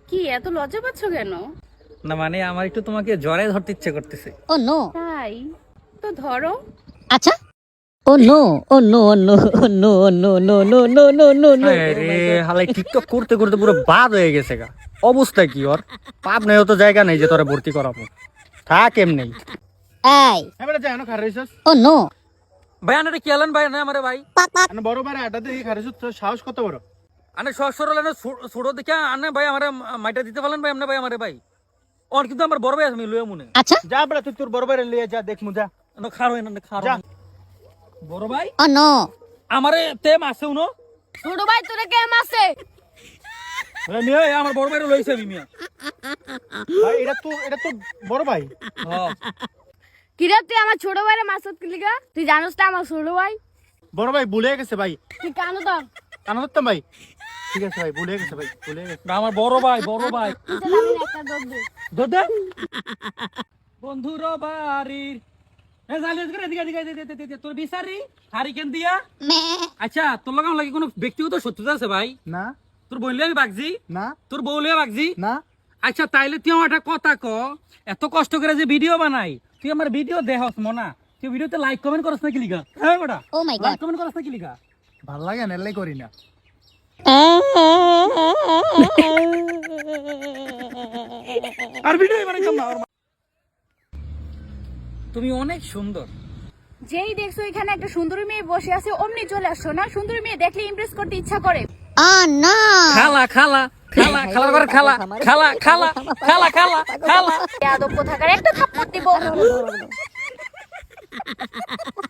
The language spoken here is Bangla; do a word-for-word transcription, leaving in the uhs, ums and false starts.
কি এত লজ্জা পাচ্ছ কেন? না মানে আমার একটু তোমাকে জড়ায় ধরতে ইচ্ছে করতেছে। ও নো তাই তো ধরো। আচ্ছা oh no oh no no no no no no no no no no রে হালাই টিকটক করতে করতে পুরো বাদ হয়ে গেছে গা। অবস্থা কি ওর? পাপ নেই তো জায়গা নেই যে তোরে ভর্তি করাবো। থাক এমনি। এই এবারে যাই না খারেছস ও নো ভাই আনারে কি আলেন ভাই না আমারে ভাই। আনে বড় বারে আড্ডা দিয়ে খারেছস তোর সাহস কত বড়? আনে সরসর লানে ছোড়ো দেখে আনে ভাই আমারে মাইটা দিতে পারলেন ভাই আমনে ভাই আমারে ভাই। ওর কিন্তু আমার বড় ভাই আছে আমি লইয়া মনে। আচ্ছা যা বড় তুই তোর বড় বারে লিয়ে যা দেখ মুজা না খারো না খারো। যা। বড় ভাই ও নো আমারে তে মাসে উনো। ছোট ভাই তোরে কে মাসে? আরে মিয়া এ আমার বড় ভাইরে লইছে আমি মিয়া। ভাই এটা তো এটা তো বড় ভাই। হ্যাঁ কিরে তুই আমার ছোট ভাইরে মাসত কি লিগা? তুই জানোস না আমার ছোট ভাই? বড় ভাই ভুলে গেছে ভাই। তুই কানো তো কানা ধরতাম ভাই। ঠিক আছে ভাই ভুলে গেছে ভাই ভুলে গেছে। না আমার বড় ভাই বড় ভাই। তুই আমি একটা দৌড় দে। দদা বন্ধুর বাড়ির এ জালিয়াত করে এদিকে এদিকে এদিকে, এদিকে, এদিকে, তোর বিচারি হারিকেন দিয়া। আচ্ছা তোর লগে আমার লাগে কোনো ব্যক্তিগত শত্রুতা আছে ভাই? না তোর বললে আমি বাগজি, না তোর বউলে বাগজি। না আচ্ছা তাইলে তুই আমার একটা কথা ক, এত কষ্ট করে যে ভিডিও বানাই তুই আমার ভিডিও দেহস মনা, তুই ভিডিওতে লাইক কমেন্ট করছ না কি লিগা? হ্যাঁ বেটা oh my like god comment করছ না কি লিগা? ভাল লাগে না এলাই করি না। আর ভিডিও বানাইতাম না। আর- তুমি অনেক সুন্দর। যেই দেখছো এখানে একটা সুন্দরী মেয়ে বসে আছে অমনি চলে আসছো না? সুন্দরী মেয়ে দেখলে ইমপ্রেস করতে ইচ্ছা করে। ও নো খালা খালা খালা খালা করে খালা খালা খালা খালা খালা খালা বেয়াদব কোথাকার, একটা থাপ্পড় দিব।